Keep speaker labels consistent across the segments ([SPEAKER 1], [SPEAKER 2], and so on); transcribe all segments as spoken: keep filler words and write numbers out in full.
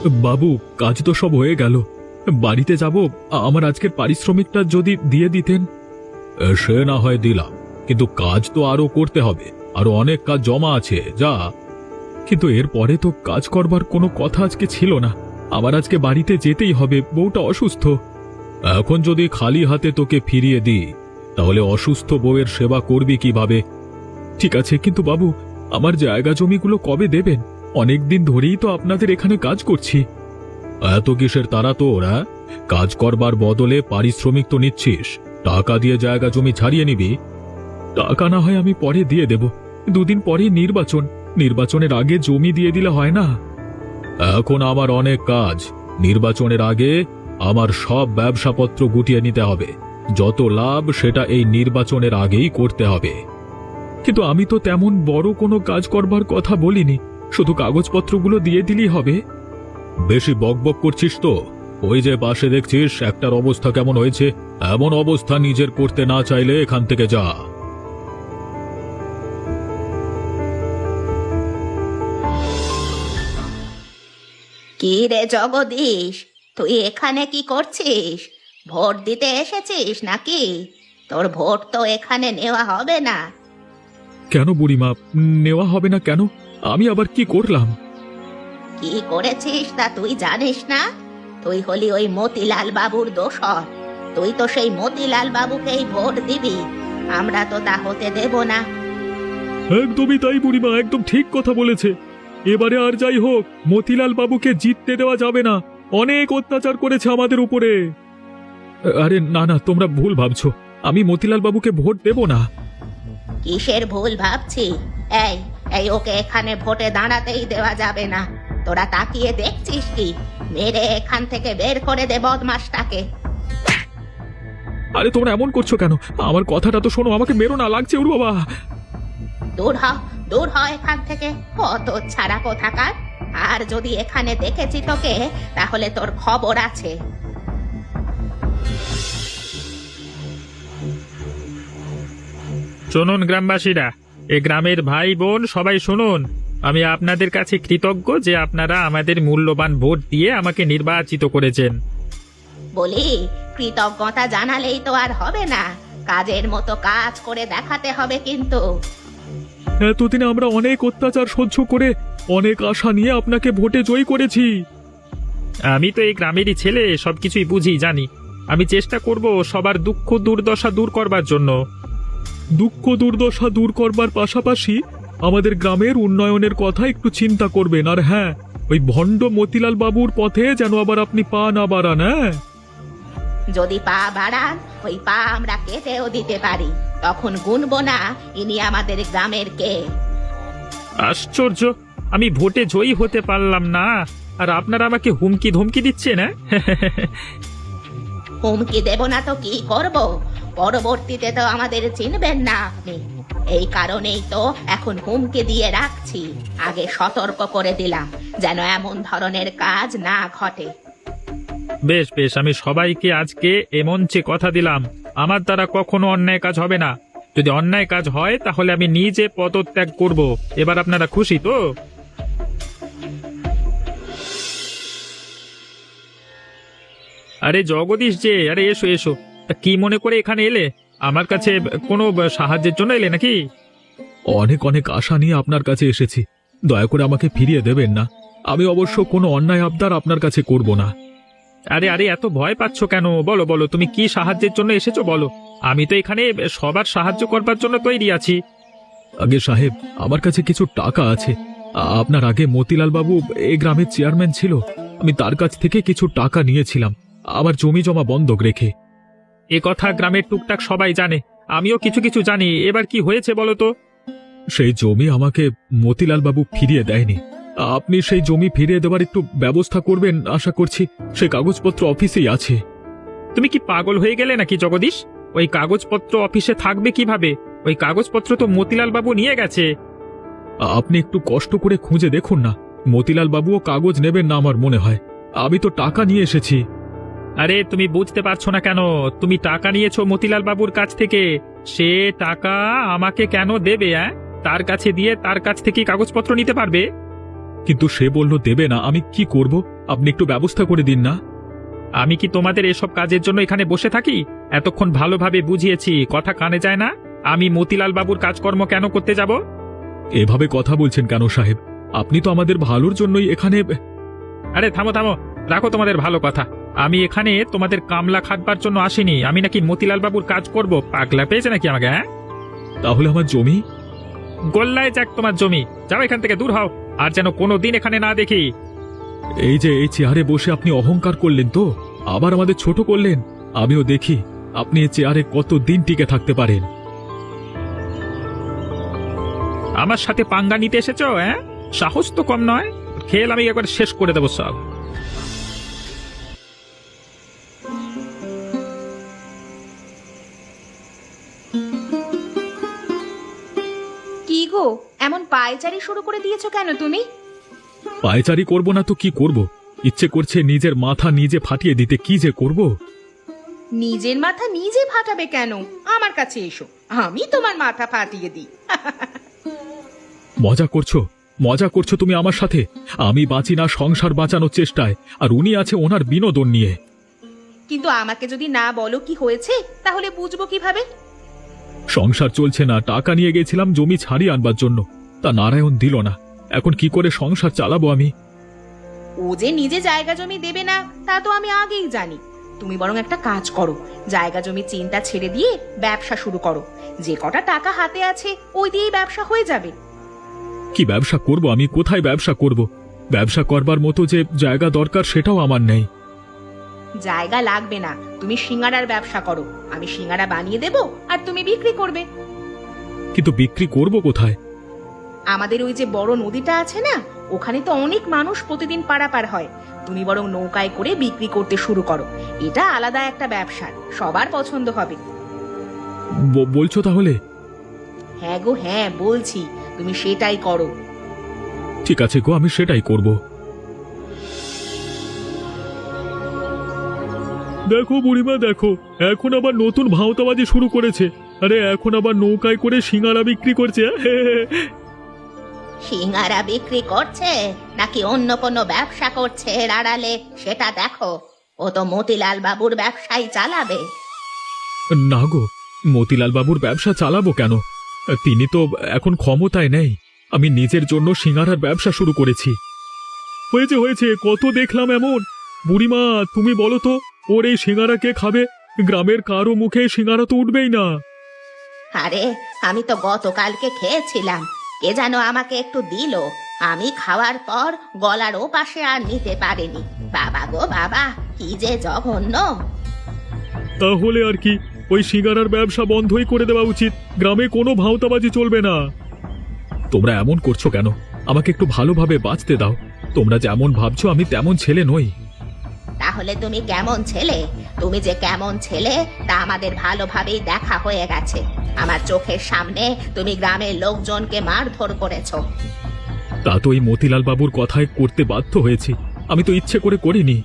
[SPEAKER 1] বাবু, কাজ তো সব হয়ে গেল, বাড়িতে যাব। আমার আজকের পারিশ্রমিকটা যদি দিয়ে দিতেন। সে না হয় দিলাম, কিন্তু কাজ তো আরো করতে হবে, আরো অনেক কাজ জমা আছে। যা। কিন্তু এরপরে তো কাজ করবার কোনো কথা আজকে ছিল না। আমার আজকে বাড়িতে যেতেই হবে, বউটা অসুস্থ। এখন যদি খালি হাতে তোকে ফিরিয়ে দিই, তাহলে অসুস্থ বউয়ের সেবা করবি কিভাবে? ঠিক আছে, কিন্তু বাবু, আমার জায়গা জমিগুলো কবে দেবেন? অনেক দিন ধরেই তো আপনাদের এখানে কাজ করছি। এত কিসের তারা তোর? হ্যাঁ, কাজ করবার বদলে পারিশ্রমিক তো নিচ্ছিস, টাকা দিয়ে জায়গা জমি ছাড়িয়ে নিবি। টাকা না হয় আমি পরে দিয়ে দেব, দুদিন পরে নির্বাচন, নির্বাচনের আগে জমি দিয়ে দিলে হয় না? এখন আমার অনেক কাজ, নির্বাচনের আগে আমার সব ব্যবসাপত্র গুটিয়ে নিতে হবে। যত লাভ সেটা এই নির্বাচনের আগেই করতে হবে। কিন্তু আমি তো তেমন বড় কোনো কাজ করবার কথা বলিনি, শুধু কাগজপত্রগুলো দিয়ে দিলেই হবে। বেশি বকবক করছিস তো? ওই যে পাশে দেখছিস একটার অবস্থা কেমন হয়েছে, এমন অবস্থা নিজের করতে না চাইলে এখান থেকে যা।
[SPEAKER 2] কি রে জগদীশ, তুই এখানে কি করছিস? ভোট দিতে এসেছিস নাকি? তোর ভোট তো এখানে নেওয়া হবে না।
[SPEAKER 1] কেন বুড়িমা, নেওয়া হবে না কেন? আমি আবার কি করলাম?
[SPEAKER 2] কি করেছিস তা তুই জানিস না? তুই হলি ওই মতিলাল বাবুর দোসর। তুই তো সেই মতিলাল বাবুকেই ভোট দিবি, আমরা তো তা হতে দেব না।
[SPEAKER 1] একদমই তাই বুড়িমা, একদম ঠিক কথা বলেছে। এবারে আর যাই হোক, মতিলাল বাবুকে জিততে দেওয়া যাবে না। অনেক অত্যাচার করেছে আমাদের উপরে। আরে না না, তোমরা ভুল ভাবছো, আমি মতিলাল বাবুকে ভোট দেব না।
[SPEAKER 2] কিসের ভুল ভাবছি? এই এই ওকে এখানে ভোটে দাঁড়াতেই দেওয়া যাবে না। তোরা তাকিয়ে দেখছিস কি? মেরে এখান থেকে বের করে দে বদমাসটাকে।
[SPEAKER 1] আরে তোমরা এমন করছো কেন? আমার কথাটা তো শোনো, আমাকে মেরো না, লাগছে ওর বাবা।
[SPEAKER 2] দূর হ, দূর হ এখান থেকে, কত ছাড়া কোথাকার। আর যদি এখানে দেখেছি তোকে, তাহলে তোর খবর আছে।
[SPEAKER 3] শুনুন গ্রামবাসীরা, এ গ্রামের ভাই বোন সবাই শুনুন, আমি আপনাদের কাছে কৃতজ্ঞ যে আপনারা আমাদের মূল্যবান ভোট দিয়ে আমাকে নির্বাচিত করেছেন।
[SPEAKER 2] বলি, কৃতজ্ঞতা জানালেই তো আর হবে না, কাজের মতো কাজ করে দেখাতে হবে কিন্তু।
[SPEAKER 1] এতদিনে আমরা অনেক অত্যাচার সহ্য করে অনেক আশা নিয়ে আপনাকে ভোটে জয়ী করেছি।
[SPEAKER 3] আমি তো এই গ্রামেরই ছেলে, সবকিছুই বুঝি, জানি। আমি চেষ্টা করব সবার দুঃখ দুর্দশা দূর করবার জন্য।
[SPEAKER 1] দুঃখ দুর্দশা দূর করবার পাশাপাশি আমাদের গ্রামের উন্নয়নের কথা একটু চিন্তা করবেন। আর হ্যাঁ, ওই ভণ্ড মতিলাল বাবুর পথে যেন আবার আপনি পা না বাড়ান। হ্যাঁ,
[SPEAKER 2] যদি পা বাড়ান, ওই পা আমরা কেটেও দিতে পারি, তখন গুনবো না ইনি আমাদের গ্রামের কে।
[SPEAKER 3] আশ্চর্য, আমি ভোটে জয়ী হতে পারলাম না, আর আপনারা আমাকে হুমকি ধমকি দিচ্ছেন। না
[SPEAKER 2] হুমকি দেব না তো কি করব? পরবর্তীতে তো আমাদের চিনবেন না আপনি, এই কারণেই তো এখন হুমকি দিয়ে রাখছি। আগে সতর্ক করে দিলাম যেন এমন ধরনের কাজ না ঘটে।
[SPEAKER 3] বেশ বেশ, আমি সবাইকে আজকে এ মঞ্চে কথা দিলাম, আমার দ্বারা কখনো অন্যায় কাজ হবে না। যদি অন্যায় কাজ হয় তাহলে আমি নিজে পদত্যাগ করব। এবার আপনারা খুশি তো? আরে জগদীশ যে, আরে এসো এসো, তা কি মনে করে এখানে এলে? আমার কাছে কোনো সাহায্যের জন্য এলে নাকি?
[SPEAKER 1] অনেক অনেক আশা নিয়ে আপনার কাছে এসেছি, দয়া করে আমাকে ফিরিয়ে দেবেন না। আমি অবশ্য কোনো অন্যায় আবদার আপনার কাছে করব না।
[SPEAKER 3] আরে আরে, এত ভয় পাচ্ছ কেন? বলো বলো, তুমি কি সাহায্যের জন্য এসেছো বলো। আমি তো এখানে সবার সাহায্য করবার জন্য তৈরি আছি।
[SPEAKER 1] আগে সাহেব, আমার কাছে কিছু টাকা আছে। আ- আপনার আগে মতিলাল বাবু এই গ্রামের চেয়ারম্যান ছিল, আমি তার কাছ থেকে কিছু টাকা নিয়েছিলাম আমার জমি জমা বন্ধক রেখে।
[SPEAKER 3] এ কথা গ্রামের টুকটাক সবাই জানে, আমিও কিছু কিছু জানি। এবার কি হয়েছে বলো তো?
[SPEAKER 1] সেই জমি আমাকে মতিলাল বাবু ফিরিয়ে দেয়নি। আপনি সেই জমি ফিরিয়ে দেওয়ার একটু ব্যবস্থা করবেন আশা করছি। সেই কাগজপত্র অফিসেই আছে।
[SPEAKER 3] তুমি কি পাগল হয়ে গেলে নাকি জগদীশ? ওই কাগজপত্র অফিসে থাকবে কিভাবে? ওই কাগজপত্র তো মতিলাল বাবু নিয়ে গেছে।
[SPEAKER 1] আপনি একটু কষ্ট করে খুঁজে দেখুন না, মতিলাল বাবুও কাগজ নেবেন না আমার মনে হয়। আমি তো টাকা নিয়ে এসেছি।
[SPEAKER 3] আরে তুমি বুঝতে পারছো না কেন? তুমি টাকা নিয়েছো মতিলাল বাবুর কাছ থেকে, সে টাকা আমাকে কেন দেবে? হ্যাঁ, তার কাছে দিয়ে তার কাছ থেকে কাগজপত্র নিতে পারবে?
[SPEAKER 1] কিন্তু সে বলল দেবে না। আমি কি করব? আপনি একটু ব্যবস্থা করে দিন না।
[SPEAKER 3] আমি কি তোমাদের এসব কাজের জন্য এখানে বসে থাকি? এতক্ষণ ভালোভাবে বুঝিয়েছি, কথা কানে যায় না। আমি মতিলাল বাবুর কাজকর্ম কেন করতে যাব?
[SPEAKER 1] এভাবে কথা বলছেন কেন সাহেব? আপনি তো আমাদের ভালোর জন্যই এখানে।
[SPEAKER 3] আরে থামো থামো, রাখো তোমাদের ভালো কথা। আমি এখানে তোমাদের কামলা খাটবার জন্য আসিনি। আমি নাকি মতিলাল বাবুর কাজ করব? পাগলা পেয়েছে নাকি আমাকে? হ্যাঁ,
[SPEAKER 1] তাহলে আমার জমি?
[SPEAKER 3] গোল্লায় যাক তোমার জমি। যাও এখান থেকে, দূর হও, আর যেন কোনো দিন এখানে না দেখি।
[SPEAKER 1] এই যে এই চেয়ারে বসে আপনি অহংকার করলেন তো, আবার আমাদের ছোট করলেন। আমিও দেখি আপনি এই চেয়ারে কত দিন টিকে থাকতে পারেন।
[SPEAKER 3] আমার সাথে পাঙ্গা নিতে এসেছো? হ্যাঁ, সাহস তো কম নয়। খেল আমি একবার শেষ করে দেবো সব।
[SPEAKER 2] কি গো, এমন পায়চারি শুরু করে দিয়েছো কেন তুমি?
[SPEAKER 1] পায়চারি করব না তো কি করব? ইচ্ছে করছে নিজের মাথা নিজে ফাটিয়ে দিতে। কি যে করব?
[SPEAKER 2] নিজের মাথা নিজে ফাটাবে কেন? আমার কাছে এসো, আমি তোমার মাথা ফাটিয়ে দিই।
[SPEAKER 1] মজা করছো? মজা করছো তুমি আমার সাথে? আমি বাঁচি না সংসার বাঁচানোর চেষ্টায়, আর উনি আছে ওনার বিনোদন নিয়ে।
[SPEAKER 2] কিন্তু আমাকে যদি না বলো কি হয়েছে, তাহলে বুঝবো কিভাবে?
[SPEAKER 1] সংসার চলছে না। টাকা নিয়ে গেছিলাম জমি ছাড়িয়ে আনবার জন্য, তা নারায়ণ দিল না। এখন কি করে সংসার চালাবো আমি?
[SPEAKER 2] ও যে নিজে জায়গা জমি দেবে না তা তো আমি আগেই জানি। তুমি বরং একটা কাজ করো, জায়গা জমি চিন্তা ছেড়ে দিয়ে ব্যবসা শুরু করো। যে কটা টাকা হাতে আছে ওই দিয়েই ব্যবসা হয়ে যাবে।
[SPEAKER 1] কি ব্যবসা করব আমি? কোথায় ব্যবসা করব? ব্যবসা করবার মতো যে জায়গা দরকার সেটাও আমার নেই।
[SPEAKER 2] জায়গা লাগবে না, তুমি সিঙ্গারার ব্যবসা করো। আমি সিঙ্গারা বানিয়ে দেব আর তুমি বিক্রি করবে।
[SPEAKER 1] কিন্তু বিক্রি করব কোথায়?
[SPEAKER 2] আমাদের ওই যে বড় নদীটা আছে না, ওখানে তো অনেক মানুষ প্রতিদিন পারাপার হয়। তুমি বরং নৌকায় করে বিক্রি করতে শুরু করো। এটা আলাদা একটা ব্যবসা, সবার পছন্দ হবে।
[SPEAKER 1] ব- বলছো তাহলে?
[SPEAKER 2] হ্যাঁ গো হ্যাঁ, বলছি, তুমি সেটাই করো।
[SPEAKER 1] ঠিক আছে গো, আমি সেটাই করব। দেখো বুড়িমা, দেখো এখন আবার নতুন ভাওতাবাজি শুরু করেছে। আরে এখন আবার নৌকায় করে সিঙ্গারা বিক্রি করছে।
[SPEAKER 2] সিঙ্গারা বিক্রি করছে নাকি অন্য কোনো ব্যবসা করছে এর আড়ালে, সেটা দেখো। ও তো মতিলাল বাবুর ব্যবসাই চালাবে।
[SPEAKER 1] না গো, মতিলাল বাবুর ব্যবসা চালাবো কেন? তিনি তো এখন ক্ষমতায় নেই। আমি নিজের জন্য সিঙ্গারার ব্যবসা শুরু করেছি। হয়েছে হয়েছে, কত দেখলাম এমন। বুড়িমা তুমি বলো তো, ওর এই সিঙ্গারা কে খাবে? গ্রামের কারো মুখে সিঙ্গারা তো উঠবেই না।
[SPEAKER 2] আরে আমি তো গতকালকে খেয়েছিলাম, কে যেন আমাকে একটু দিল। আমি খাওয়ার পর গলার ও পাশে আর নিতে পারিনি। বাবা গো বাবা, কি যে জঘন্য!
[SPEAKER 1] তাহলে আর কি, ওই সিঙ্গারার ব্যবসা বন্ধই করে দেওয়া উচিত। গ্রামে কোনো ভাওতাবাজি চলবে না। তোমরা এমন করছো কেন? আমাকে একটু ভালোভাবে বাঁচতে দাও। তোমরা যেমন ভাবছো আমি তেমন ছেলে নই।
[SPEAKER 2] তাহলে তুমি কেমন ছেলে? তুমি যে কেমন ছেলে তা আমাদের ভালোভাবেই দেখা হয়ে গেছে। আমার চোখের সামনে তুমি গ্রামের লোকজনকে মারধর করেছো।
[SPEAKER 1] তা তো এই মতিলাল বাবুর কথায় করতে বাধ্য হয়েছি। আমি তো ইচ্ছে করে করিনি।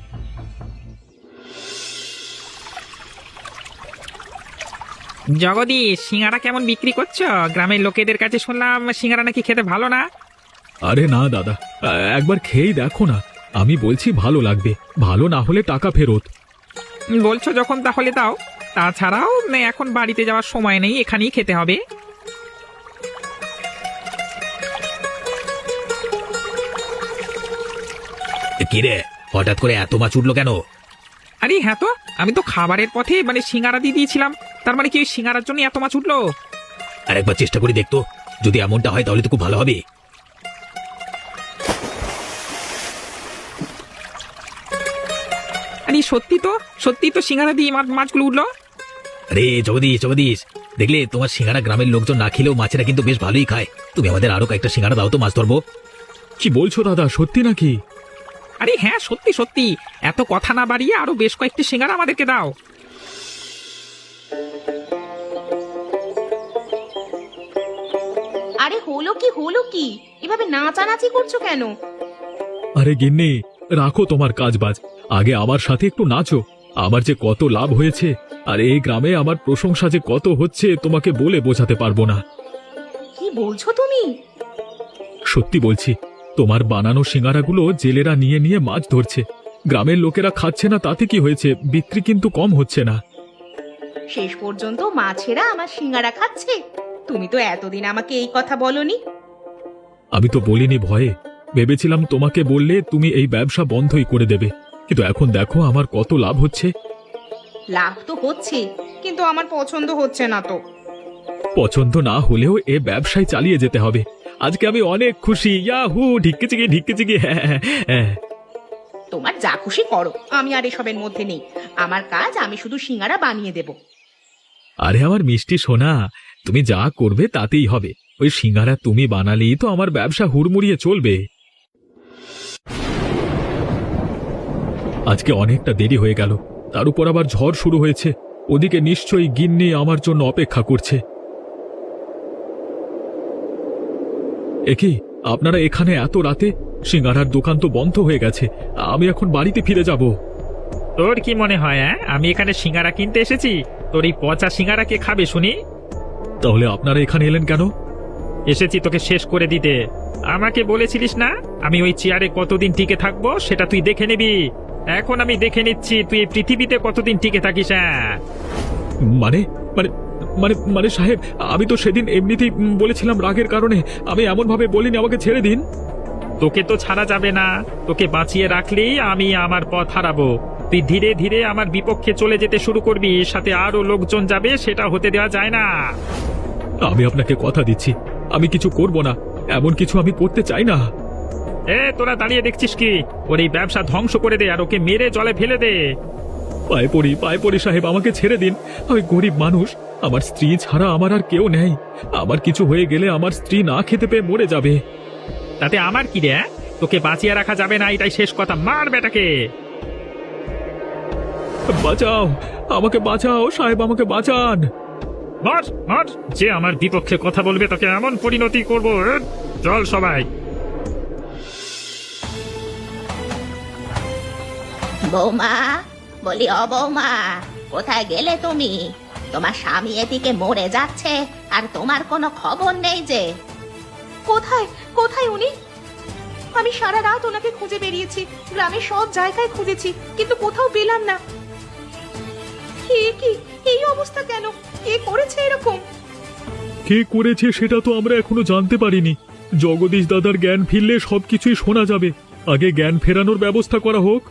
[SPEAKER 3] জগদীশ, সিঙ্গারা কেমন বিক্রি করছো? গ্রামের লোকেদের কাছে শুনলাম সিঙ্গারা নাকি খেতে ভালো না।
[SPEAKER 1] আরে না দাদা, একবার খেয়েই দেখো না। আমি বলছি ভালো লাগবে, ভালো না হলে টাকা ফেরত।
[SPEAKER 3] বলছো যখন তাহলে দাও। তাছাড়াও না, এখন বাড়িতে যাওয়ার সময় নেই, এখানেই খেতে হবে।
[SPEAKER 4] কিরে, হঠাৎ করে এত মাছ উঠলো কেন?
[SPEAKER 3] আরে হ্যাঁ তো, আমি তো খাবারের পথে মানে সিঙ্গারা দিয়ে দিয়েছিলাম। তার মানে কি ওই সিঙ্গারার জন্য এত মাছ উঠলো?
[SPEAKER 4] আর একবার চেষ্টা করে দেখতো, যদি এমনটা হয় তাহলে তো খুব ভালো হবে।
[SPEAKER 3] আরে সত্যি তো, সত্যি তো সিঙ্গারা দিয়ে মা- মাছগুলো উঠলো।
[SPEAKER 4] আরে জগদীশ জগদীশ, দেখলে তোমার সিঙ্গারা গ্রামের লোকজন না খেলেও মাছেরা কিন্তু বেশ ভালোই খায়। তুমি আমাদের আরো কয়েকটা সিঙ্গারা দাও তো, মাছ ধরবো।
[SPEAKER 1] কি বলছো দাদা, সত্যি নাকি?
[SPEAKER 3] আরে হ্যাঁ সত্যি সত্যি, এত কথা না বাড়িয়ে আরো বেশ কয়েকটি সিঙ্গারা আমাদেরকে দাও।
[SPEAKER 2] আরে হলো কি হলো কি, এভাবে নাচানাচি করছো কেন?
[SPEAKER 1] আরে গিন্নি, রাখো তোমার কাজবাজ, আগে আমার সাথে একটু নাচো। আমার যে কত লাভ হয়েছে, আর এই গ্রামে আমার প্রশংসা যে কত হচ্ছে তোমাকে বলে বোঝাতে পারবো না।
[SPEAKER 2] কি বলছো তুমি?
[SPEAKER 1] সত্যি বলছি, তোমার বানানো সিঙ্গারাগুলো জেলেরা নিয়ে নিয়ে মাছ ধরছে। গ্রামের লোকেরা খাচ্ছে না তাতে কি হয়েছে, বিক্রি কিন্তু কম হচ্ছে না।
[SPEAKER 2] শেষ পর্যন্ত মাছেরা আমার সিঙ্গারা খাচ্ছে। তুমি তো এতদিন আমাকে এই কথা বলনি।
[SPEAKER 1] আমি তো বলিনি ভয়ে, ভেবেছিলাম তোমাকে বললে তুমি এই ব্যবসা বন্ধই করে দেবে, কিন্তু এখন দেখো আমার কত লাভ হচ্ছে।
[SPEAKER 2] লাভ তো হচ্ছে, কিন্তু আমার পছন্দ হচ্ছে না তো।
[SPEAKER 1] পছন্দ না হলেও এ ব্যবসায় চালিয়ে যেতে হবে। আজকে আমি অনেক খুশি। ইয়াহু, ঢিক্কে চিকি ঢিক্কে চিকি। হ্যাঁ হ্যাঁ হ্যাঁ।
[SPEAKER 2] তোমার যা খুশি করো, আমি আর এসবের মধ্যে নেই। আমার কাজ, আমি শুধু সিঙ্গারা বানিয়ে দেব।
[SPEAKER 1] আরে আমার মিষ্টি সোনা, তুমি যা করবে তাতেই হবে। ওই সিঙ্গারা তুমি বানালেই তো আমার ব্যবসা হুড়মুড়িয়ে চলবে। আজকে অনেকটা দেরি হয়ে গেল, তার উপর আবার ঝড় শুরু হয়েছে। ওদিকে নিশ্চয়ই গিন্নি আমার জন্য অপেক্ষা করছে। একি, আপনারা এখানে এত রাতে? সিঙ্গারার দোকান তো বন্ধ হয়ে গেছে। আমি এখন বাড়িতে ফিরে যাব।
[SPEAKER 3] তোর কি মনে হয় হ্যাঁ আমি এখানে সিঙ্গারা কিনতে এসেছি? তোর এই পচা সিঙ্গারা কে খাবে শুনি?
[SPEAKER 1] তাহলে আপনারা এখানে এলেন কেন?
[SPEAKER 3] এসেছি তোকে শেষ করে দিতে। আমাকে বলেছিলিস না আমি ওই চেয়ারে কতদিন টিকে থাকবো, সেটা তুই দেখে নিবি। এখন আমি দেখে নিচ্ছি তুই এই পৃথিবীতে কতদিন টিকে থাকিস। হ্যাঁ
[SPEAKER 1] মানে মানে মানে মানে সাহেব, আমি তো সেদিন এমনিতেই উম, বলেছিলাম রাগের কারণে। আমি এমন ভাবে বলিনি, আমাকে ছেড়ে দিন।
[SPEAKER 3] তোকে তো ছাড়া যাবে না, তোকে বাঁচিয়ে রাখলেই আমি আমার পথ হারাবো। তুই ধীরে ধীরে আমার বিপক্ষে চলে যেতে শুরু করবি, সাথে আরো লোকজন যাবে, সেটা হতে দেওয়া যায় না।
[SPEAKER 1] আমি আপনাকে কথা দিচ্ছি, আমি কিছু করব না। এমন কিছু আমি করতে চাই না।
[SPEAKER 3] এ তোরা দাঁড়িয়ে দেখছিস কি? ওর এই ব্যবসা ধ্বংস করে দে আর ওকে মেরে জলে ফেলে দে।
[SPEAKER 1] পায়ে পড়ি, পায়ে পড়ি সাহেব, আমাকে ছেড়ে দিন। আমি গরিব মানুষ, আমার স্ত্রী ছাড়া আমার আর কেউ নেই। আমার কিছু হয়ে গেলে আমার স্ত্রী না খেতে পেয়ে মরে যাবে।
[SPEAKER 3] তাতে আমার কি রে? তোকে বাঁচিয়ে রাখা যাবে না, এটাই শেষ কথা। মার বেটাকে।
[SPEAKER 1] বাঁচাও, আমাকে বাঁচাও সাহেব, আমাকে বাঁচান।
[SPEAKER 3] মার মার, যে আমার বিপক্ষে কথা বলবে তাকে এমন পরিণতি করব। চল সবাই।
[SPEAKER 2] বৌমা, বলি ও বৌমা, কোথায় গেলে তুমি? তোমার স্বামী এদিকে মরে যাচ্ছে আর তোমার কোনো খবর নেই যে। কোথায় কোথায় উনি? আমি সারা রাত ওনাকে খুঁজে বেরিয়েছি, গ্রামের সব জায়গায় খুঁজেছি, কিন্তু কোথাও পেলাম না। এ কি, এই অবস্থা কেন? কে করেছে এরকম?
[SPEAKER 1] কে করেছে সেটা তো আমরা এখনো জানতে পারিনি। জগদীশ দাদার জ্ঞান ফিরলে সবকিছুই শোনা যাবে। আগে জ্ঞান ফেরানোর ব্যবস্থা করা হোক।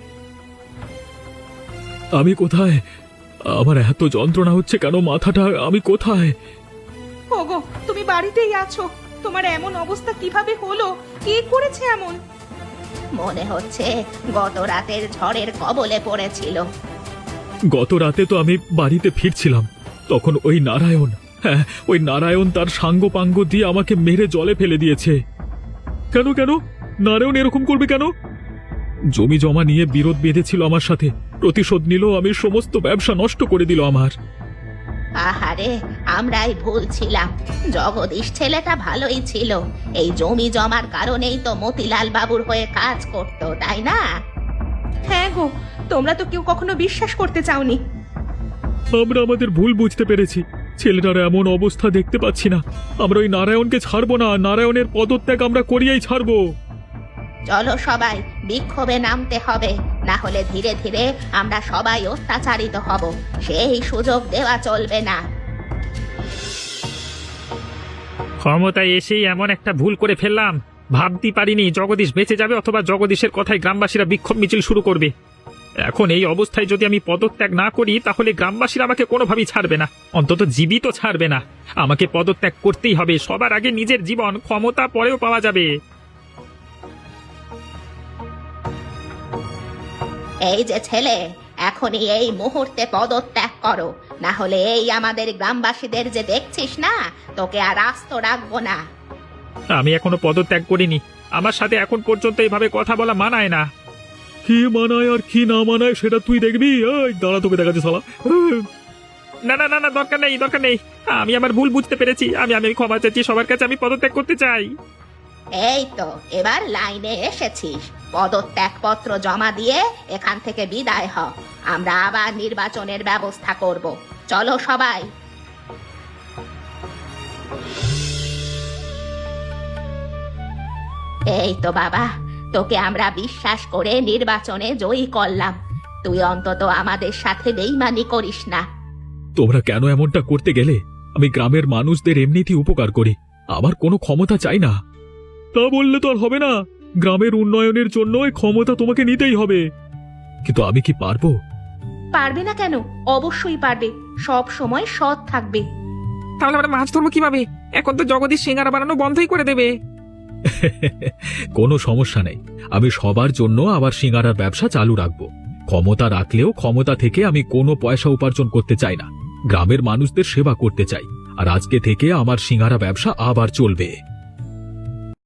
[SPEAKER 1] আমি কোথায়? আমার এত যন্ত্রণা হচ্ছে কেন মাথাটা? আমি কোথায়?
[SPEAKER 2] ওগো, তুমি বাড়িতেই আছো? তোমার এমন অবস্থা কিভাবে হলো? কে করেছে এমন? মনে হচ্ছে গত রাতের ঝড়ের কবলে পড়েছিল।
[SPEAKER 1] গত রাতে তো আমি বাড়িতে ফিরছিলাম, তখন ওই নারায়ণ, হ্যাঁ ওই নারায়ণ তার সাঙ্গ পাঙ্গ দিয়ে আমাকে মেরে জলে ফেলে দিয়েছে। কেন কেন নারায়ণ এরকম করবে কেন? জমি জমা নিয়ে বিরোধ বেঁধেছিল আমার সাথে, প্রতিশোধ নিল। আমি সমস্ত ব্যবসা নষ্ট করে দিল আমার।
[SPEAKER 2] আহারে, আমরাই ভুল ছিলাম। জগদীশ ছেলেটা ভালোই ছিল, এই জমি জমার কারণেই তো মতিলাল বাবুর হয়ে কাজ করতো, তাই না? হ্যাঁ গো, তোমরা তো কেউ কখনো বিশ্বাস করতে চাওনি।
[SPEAKER 1] আমরা আমাদের ভুল বুঝতে পেরেছি। ছেলেটার এমন অবস্থা দেখতে পাচ্ছি না। আমরা ওই নারায়ণকে ছাড়বো না, নারায়ণের পদত্যাগ আমরা করিয়াই ছাড়বো।
[SPEAKER 2] চলো সবাই, বিক্ষোভে নামতে হবে, না হলে ধীরে ধীরে আমরা সবাই অত্যাচারিত হব। সেই সুযোগ দেওয়া চলবে না।
[SPEAKER 3] ক্ষমতায় এসেই এমন একটা ভুল করে ফেললাম। ভাবতে পারিনি জগদীশ বেঁচে যাবে, অথবা জগদীশের কথায় গ্রামবাসীরা বিক্ষোভ মিছিল শুরু করবে। এখন এই অবস্থায় যদি আমি পদত্যাগ না করি তাহলে গ্রামবাসীরা আমাকে কোনোভাবেই ছাড়বে না, অন্তত জীবিত ছাড়বে না। আমাকে পদত্যাগ করতেই হবে। সবার আগে নিজের জীবন, ক্ষমতা পরেও পাওয়া যাবে।
[SPEAKER 2] এই যে ছেলে, এখনই এই মুহূর্তে পদত্যাগ করো, না হলে এই আমাদের গ্রামবাসীদের যে দেখছিস না, তোকে আর আস্ত রাখবো না।
[SPEAKER 3] আমি এখনো পদত্যাগ করিনি। আমার সাথে এখন পর্যন্ত এইভাবে কথা বলা মানায় না।
[SPEAKER 1] কি মানায় আর কি না মানায় সেটা তুই দেখবি। এই দাঁড়া, তোকে দেখাচ্ছি শালা।
[SPEAKER 3] না না না না, দরকার নেই, দরকার নেই। আমি আমার ভুল বুঝতে পেরেছি। আমি আমি ক্ষমা চাচ্ছি সবার কাছে। আমি পদত্যাগ করতে চাই।
[SPEAKER 2] এই তো এবার লাইনে এসেছিস। পদত্যাগ পত্র জমা দিয়ে এখান থেকে বিদায় হ। আমরা আবার নির্বাচনের ব্যবস্থা করব। চলো সবাই। এই তো বাবা, তোকে আমরা বিশ্বাস করে নির্বাচনে জয়ী করলাম। তুই অন্তত আমাদের সাথে বেইমানি করিস না।
[SPEAKER 1] তোমরা কেন এমনটা করতে গেলে? আমি গ্রামের মানুষদের এমনিতেই উপকার করি, আমার কোনো ক্ষমতা চাই না। তা বললে তো আর হবে না, গ্রামের উন্নয়নের জন্য এই ক্ষমতা তোমাকে নিতেই হবে। কিন্তু আমি কি পারবো?
[SPEAKER 2] পারবে না কেন? অবশ্যই পারবে, সব সময় সৎ থাকবে।
[SPEAKER 5] তাহলে আমরা মাছ ধরবো কিভাবে? এখন তো জগদীশ সিঙ্গারা বানানো বন্ধই করে দেবে।
[SPEAKER 1] কোনো সমস্যা নেই, আমি সবার জন্য আবার সিঙ্গারার ব্যবসা চালু রাখবো। ক্ষমতা রাখলেও ক্ষমতা থেকে আমি কোনো পয়সা উপার্জন করতে চাই না, গ্রামের মানুষদের সেবা করতে চাই। আর আজকে থেকে আমার সিঙ্গারা ব্যবসা আবার চলবে।